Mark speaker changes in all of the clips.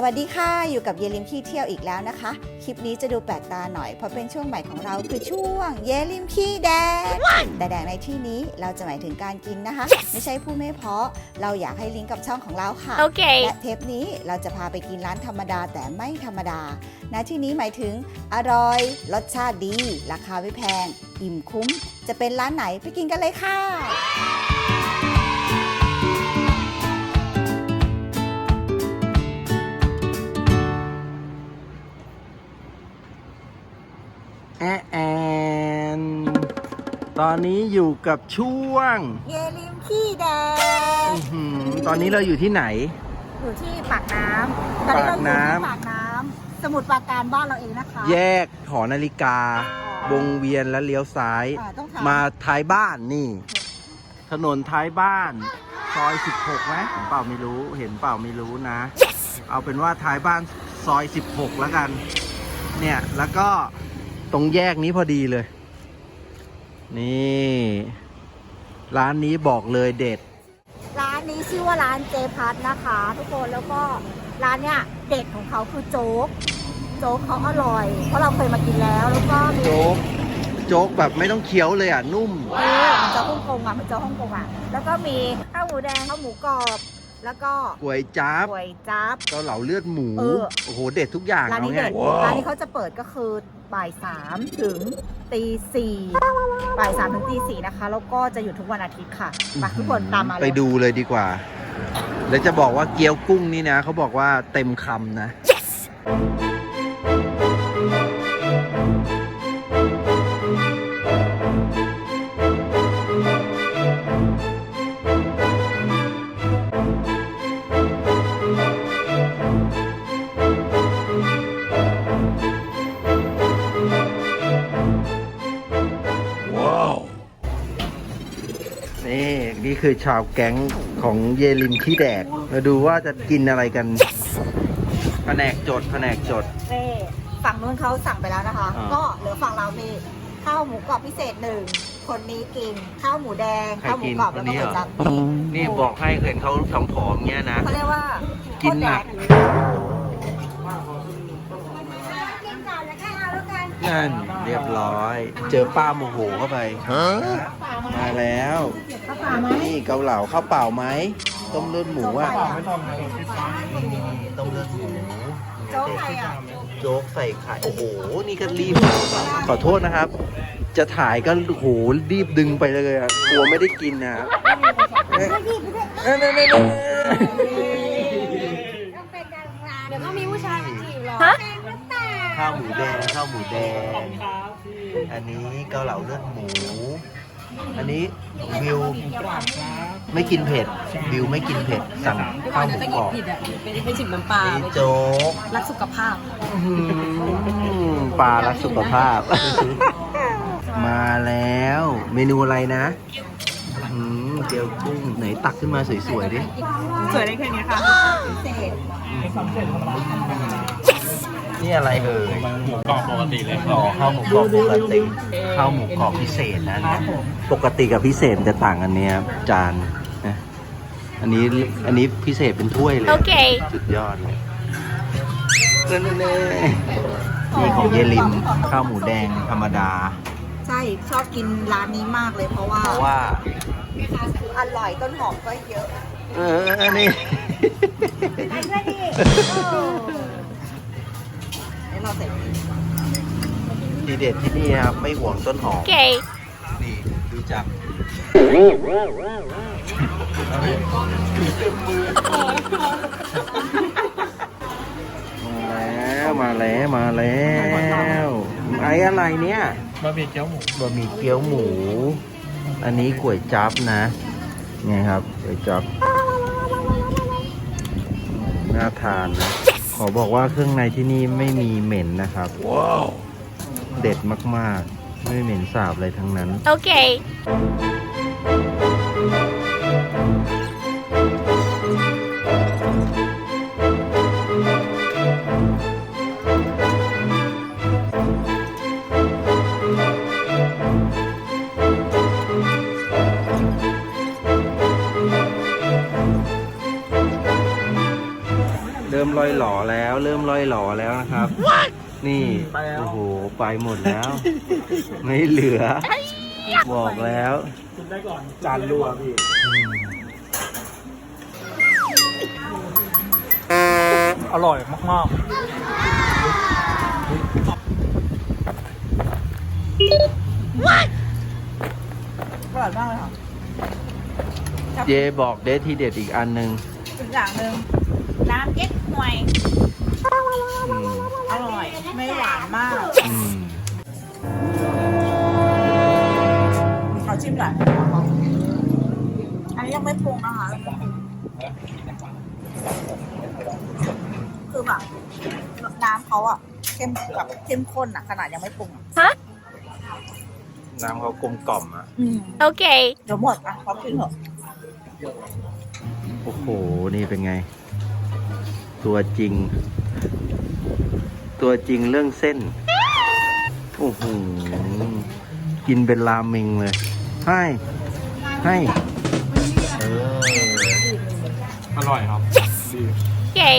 Speaker 1: วัสดีค่ะอยู่กับเยลิมขี้เที่ยวอีกแล้วนะคะคลิปนี้จะดูแปลกตาหน่อยเพราะเป็นช่วงใหม่ของเราคือช่วงเยลิมขี้แดกแต่แดกในที่นี้เราจะหมายถึงการกินนะคะ ไม่ใช่ผู้ไม่เพาะเราอยากให้ลิงก์กับช่องของเราค่ะและเทปนี้เราจะพาไปกินร้านธรรมดาแต่ไม่ธรรมดาณที่นี้หมายถึงอร่อยรสชาติดีราคาไม่แพงอิ่มคุ้มจะเป็นร้านไหนไปกินกันเลยค่ะ
Speaker 2: แอนตอนนี้อยู่กับช่วง
Speaker 1: เยลิมขี้แดก
Speaker 2: ตอนนี้เราอยู่ที่ไหน
Speaker 1: อยู่ที่ปากน้ำตอนนี้เราอยู่ที่ปากน้ำสมุทรปราการบ้านเราเองนะคะ
Speaker 2: แยกหอนาฬิกาวงเวียนและเลี้ยวซ้ายมาท้ายบ้านนี่ถนนท้ายบ้านซอย16ไหมเห็นเปล่าไม่รู้นะ เอาเป็นว่าท้ายบ้านซอย16แล้วกันเนี่ยแล้วก็ตรงแยกนี้พอดีเลยนี่ร้านนี้บอกเลยเด็ด
Speaker 1: ร้านนี้ชื่อว่าร้านเจพัทนะคะทุกคนแล้วก็ร้านเนี้ยเด็ดของเขาคือโจ๊กเขาอร่อยเพราะเราเคยมากินแล้วก็มี
Speaker 2: โจ๊กแบบไม่ต้องเคี้ยวเลยอ่ะนุ่ม
Speaker 1: มันจะฮ่องกงอ่ะแล้วก็มีข้าวหมูแดงข้าวหมูกรอบแล้วก็
Speaker 2: ก๋วยจั๊บเกาเหลาเลือดหมูโอ้โหเด็ดทุกอย่าง
Speaker 1: ร้านนี้เด็ดร้านนี้เขาจะเปิดก็คือบ่าย 3 ถึงตี 4บ่าย 3 ถึงตี 4นะคะแล้วก็จะอยู่ทุกวันอาทิตย์ค่ะมาทุกคนตามมา
Speaker 2: ไปดูเลยดีกว่าแล้วจะบอกว่าเกี๊ยวกุ้งนี่นะเขาบอกว่าเต็มคำนะ yes! นี่คือชาวแก๊งของเยลิมขี้แดกมาดูว่าจะกินอะไรกัน yes! แผนกจด
Speaker 1: ฝั่งนู้นเขาสั่งไปแล้วนะคะก็เหลือฝั่งเรามีข้าวหมูกรอบพิเศษ1คนนี้กินข้าวหมูแดงข้าวหมูกรอบแล้วก็ก๋วยจั๊บ
Speaker 2: นี่บอกให้เห็นเขาผอมๆเงี้ยนะ
Speaker 1: เขาเรียกว่า
Speaker 2: กินหนักนั่นเรียบร้อยเจอป้าโมโหเข้าไปมาแล้วนี่เกาเหลาข้าวเปล่าไหมต้มเลือดหมูอ่ะต้มเลือดหมูโจ๊กใส่ไข่โอ้โหนี่ก็รีบขอโทษนะครับจะถ่ายก็โหรีบดึงไปเลยอ่ะกลัวไม่ได้กินนะ
Speaker 1: เดี๋ยวก็มีผู้ชายมาจีบหรอ
Speaker 2: ข้าวหมูแดงอันนี้เกาเหลาเลือดหมูอันนี้วิวไม่กินเผ็ดวิวไม่กินเผ็ดสั่งข้าวหมูกรอบ
Speaker 1: ไม่จิบน้ำปลา
Speaker 2: โจ๊ก
Speaker 1: รักสุขภาพ
Speaker 2: ปลารักสุขภาพมาแล้วเมนูอะไรนะเจียวกุ้งไหนตักขึ้นมาสวยๆดิ
Speaker 1: สวยได้แค่นี้ค่ะ
Speaker 2: นี่อะไร
Speaker 3: หมูกรอบปกติเลย
Speaker 2: ข้าวหมูกรอบปกติข้าวหมูกรอบพิเศษนะปกติกับพิเศษจะต่างกันเนี่ยจานนะอันนี้พิเศษเป็นถ้วยเลยสุดยอดเลยนี่ของเยลิมข้าวหมูแดงธรรมดา
Speaker 1: ใช่ชอบกินร้านนี้มากเลยเพราะว่าอร่อยต้นหอมก็เยอะ
Speaker 2: นี่ทีเด็ดที่นี่ครับไม่ห่วงต้นหอมนี่ดูจับมาแล้วไอ้อะไรเนี่ย
Speaker 3: บะหมี่เกี๊ยว
Speaker 2: หมูอันนี้ก๋วยจั๊บนะไงครับก๋วยจั๊บน่าทานนะขอบอกว่าเครื่องในที่นี่ไม่มีเหม็นนะครับว้าวเด็ดมากๆไม่เหม็นสาบอะไรทั้งนั้นโอเคเริ่มลอยหล่อแล้เริ่มล่อยหล่อแล้วนะครับ นี่ โอ้โห ไปหมดแล้ว ไม่เหลือ บอกแล้ว
Speaker 3: จานรัวพี่ อร่อยมากๆ
Speaker 1: อร่อยมากเลยค่ะ
Speaker 2: เจบอกเดทที่เด็ดอีกอันหนึ่ง
Speaker 1: อีกอย่างหนึ่งน้ำเก๊กฮวย
Speaker 2: อืม
Speaker 1: อร่อย ไม่หวานมาก
Speaker 2: อืม
Speaker 1: ขอชิมหน่อยอันนี้ยังไม่ปรุงนะคะ คือแบบน้ำเขาอะเข้มข้นอะขนาดยังไม่ปรุงอะ
Speaker 2: น้ำเขากลมกล่อมอ่ะ
Speaker 4: Okay.
Speaker 1: เดี๋ยวหมดอะพร้อมกินเถอะ
Speaker 2: โอ้โห นี่เป็นไง ตัวจริง ตัวจริงเรื่องเส้น โอ้โห กินเป็นราเมงเลย ให้เออ
Speaker 3: อร่อยครับ ดี
Speaker 4: Okay.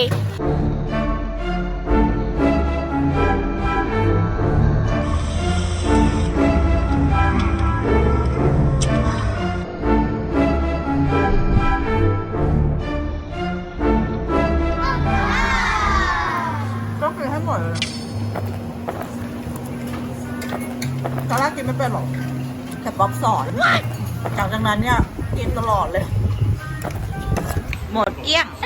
Speaker 1: ก็กินให้หมดเลยตอนแรกกินไม่เป็นหรอกแต่ป๊อปสอนหลังจากนั้นเนี่ยกินตลอดเลย หมดเกลี้ยง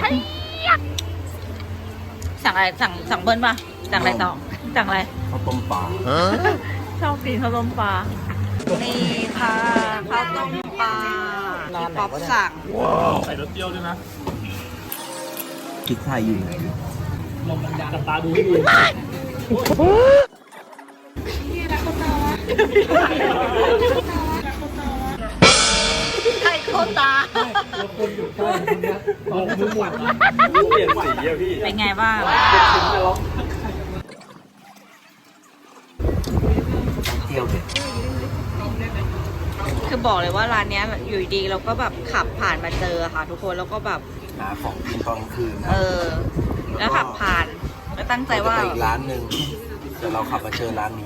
Speaker 1: สั่งอะไรสั่งเบิ้ลป่ะ สั่งอะไรต่อสั่งอะไร
Speaker 2: ข้าวต้มปลา
Speaker 1: ชอบกินข้าวต้มปลา นี่ค่ะข้าวต้มปลาที่ป๊อปสั่ง
Speaker 3: ใส่รสเปรี้ยวด้วยนะ
Speaker 2: คิดไทยอยู่ไหน
Speaker 3: จับตาดูให้ดี
Speaker 1: ไข่โคตา
Speaker 3: ลงมือหมดเปลี่ยนสีอะพี่
Speaker 1: เป็นไงบ้าง
Speaker 2: เที่ยวเด็ด
Speaker 1: คือบอกเลยว่าร้านเนี้ยอยู่ดีเราก็แบบขับผ่านมาเจอค่ะ ทุกคนแล้วก็แบบ
Speaker 2: หาของกินตอนกลางคืนนะ
Speaker 1: แล้วขับผ่านแล้วตั้งใจว่า
Speaker 2: เรจะไปอีกร้านหนึ่งแต่เราขับมาเจอร้านนี้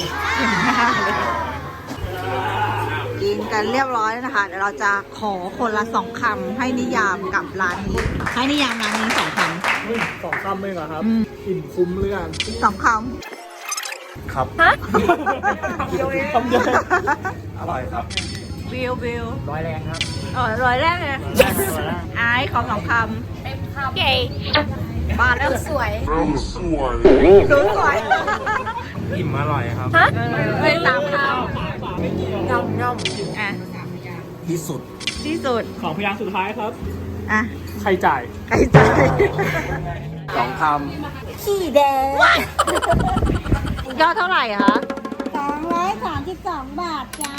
Speaker 1: กินกันเรียบร้อยแล้วนะคะ เดี๋ยวเราจะขอคนละ2 คำให้นิยามกับร้านนี้ ให้นิยามร้านนี้2 คำ
Speaker 3: 2 คำเองเหรอครับ อิ่มคุ้มหรือยัง
Speaker 1: 2 ค
Speaker 2: ครับ
Speaker 3: คำเดียว
Speaker 2: อร่อยครับ
Speaker 1: ำวิว
Speaker 3: ร้อยแรงครับ
Speaker 1: ร้อยแรกเลยไอ้ขอ2 ค
Speaker 4: Okay.
Speaker 1: ำมาแล้วสวยสวย
Speaker 3: อิ่มอร่อยครับ
Speaker 1: เลย3 คำย่อมอ่ะ
Speaker 2: ที่สุด
Speaker 1: ที่สุด
Speaker 3: ของพยางค์สุดท้ายครับ
Speaker 1: อ่ะ
Speaker 3: ใครจ่าย
Speaker 1: ไก่ใจ
Speaker 2: 2 ค
Speaker 1: ขี้แดงยอดเท่าไหร่คะ
Speaker 5: 232 บาทจ้า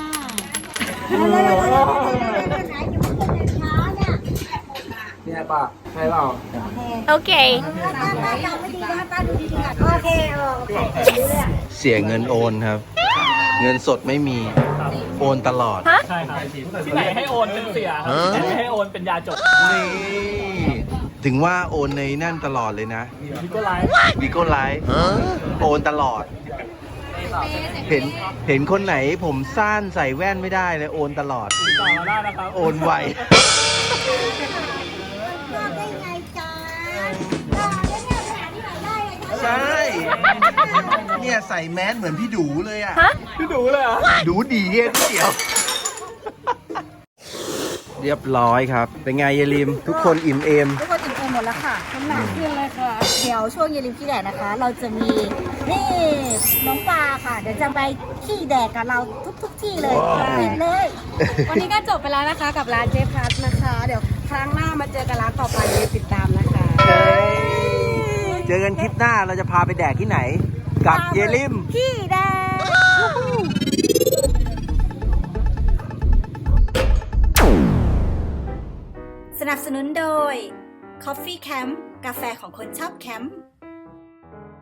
Speaker 5: แล้วไหนจะมาเป็นช้าเนี่ย
Speaker 3: ำนี่ป่ะใช่เปล่า
Speaker 4: Okay.
Speaker 5: ตาจำไม่ดีนะตาดูดีๆโอเคโอเครู้เรื่อง
Speaker 2: ำเสียเงินโอนครับ เงินสดไม่มี โอนตลอด
Speaker 3: ใช่ครับ ที่ไหนให้โอนเป็นเสียครับที่ไหนให้โอนเป็นยาจบ
Speaker 2: นี่ ถึงว่าโอนในนั่นตลอดเลยนะ
Speaker 3: พี่ก็ไลฟ์
Speaker 2: วิโก้ไลฟ์โอนตลอด เห็นคนไหนผมสั้นใส่แว่นไม่ได้เลยโอนตลอด
Speaker 3: ติดต่อมาได้นะครับ
Speaker 2: โอนไว
Speaker 5: บอกได้ไงจ้าแล้วเนี่ยไปหาที่ไหนได้เลยจ้า
Speaker 2: ใช่ เนี่ยใส่แมสเหมือนพี่ดูเลยอ่ะ
Speaker 3: พี่ดูเลยเหรอ
Speaker 2: ดูดีเงี้ยพี่เดียว เรียบร้อยครับ เป็นไงเยลิม ทุกคนอิ่มเอม
Speaker 1: ทุกคนอิ่มเอมหมดแล้วค่ะน้ำหนักขึ้นเลยค่ะ เดี๋ยวช่วงเย็นริมขี้แดดนะคะ เราจะมีนี่น้องปลาค่ะ เดี๋ยวจะไปขี้แดดกับเราทุกที่เลยติดเลย
Speaker 6: วันนี้ก็จบไปแล้วนะคะกับร้านเจพัทนะคะ เดี๋ยวครั้งหน้ามาเจอกันร้านต่อไปอย่าลืมติดตามนะคะ
Speaker 2: เจอกันคลิปหน้าเราจะพาไปแดกที่ไหน กับเยลิม
Speaker 1: ขี้แดด
Speaker 7: สนับสนุนโดย Coffee Camp กาแฟของคนชอบแคมป์